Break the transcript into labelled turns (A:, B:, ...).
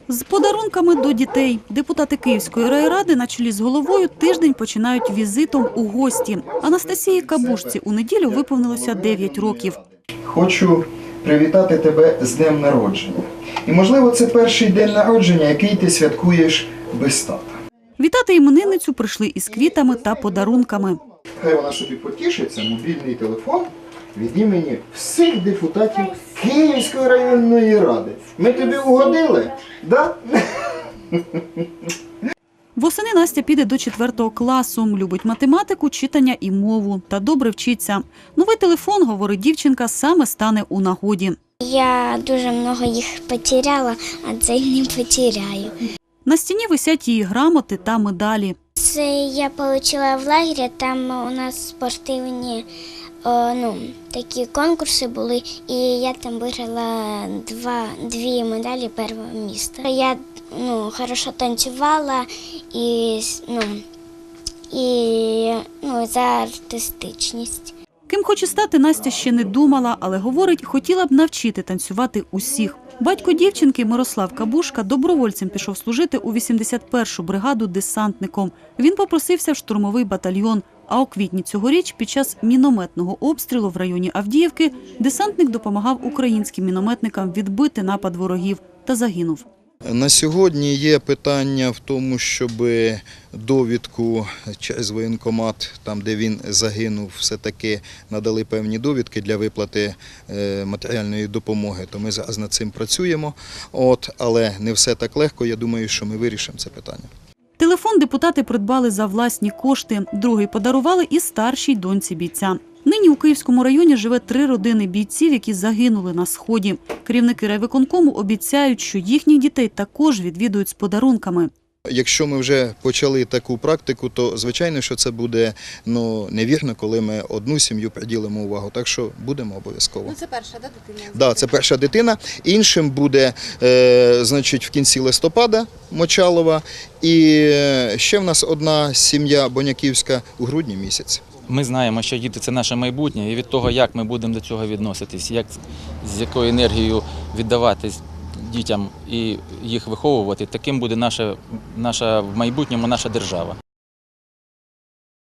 A: З подарунками до дітей. Депутати Київської райради на чолі з головою тиждень починають візитом у гості. Анастасії Кабушці у неділю виповнилося 9 років.
B: Хочу привітати тебе з днем народження. І, можливо, це перший день народження, який ти святкуєш без тата.
A: Вітати іменинницю прийшли із квітами та подарунками.
B: Хай вона собі потішиться, мобільний телефон від імені всіх депутатів Київської районної ради. Ми тобі угодили? Да?
A: Восени Настя піде до 4 класу. Любить математику, читання і мову. Та добре вчиться. Новий телефон, говорить дівчинка, саме стане у нагоді.
C: Я дуже много їх потеряла, а цей не потеряю.
A: На стіні висять її грамоти та медалі.
C: Це я отримала в лагері, там у нас спортивні такі конкурси були, і я там виграла дві медалі першого місця. Я хорошо танцювала і за артистичність.
A: Ким хоче стати, Настя ще не думала, але, говорить, хотіла б навчити танцювати усіх. Батько дівчинки Мирослав Кабушка добровольцем пішов служити у 81-шу бригаду десантником. Він попросився в штурмовий батальйон. А у квітні цьогоріч під час мінометного обстрілу в районі Авдіївки десантник допомагав українським мінометникам відбити напад ворогів та загинув.
D: На сьогодні є питання в тому, щоб довідку через воєнкомат, там де він загинув, все-таки надали певні довідки для виплати матеріальної допомоги. То ми зараз над цим працюємо, але не все так легко, я думаю, що ми вирішимо це питання.
A: Телефон депутати придбали за власні кошти, другий подарували і старшій доньці бійця. Нині у Київському районі живе 3 родини бійців, які загинули на Сході. Керівники райвиконкому обіцяють, що їхніх дітей також відвідують з подарунками.
D: Якщо ми вже почали таку практику, то звичайно, що це буде невірно, коли ми одну сім'ю приділимо увагу. Так що будемо обов'язково.
E: Це перша, дитина?
D: Так, це перша дитина. Іншим буде, в кінці листопада Мочалова. І ще в нас одна сім'я Боняківська у грудні місяці.
F: Ми знаємо, що діти – це наше майбутнє, і від того, як ми будемо до цього відноситись, з якою енергією віддавати дітям і їх виховувати, таким буде в майбутньому наша держава.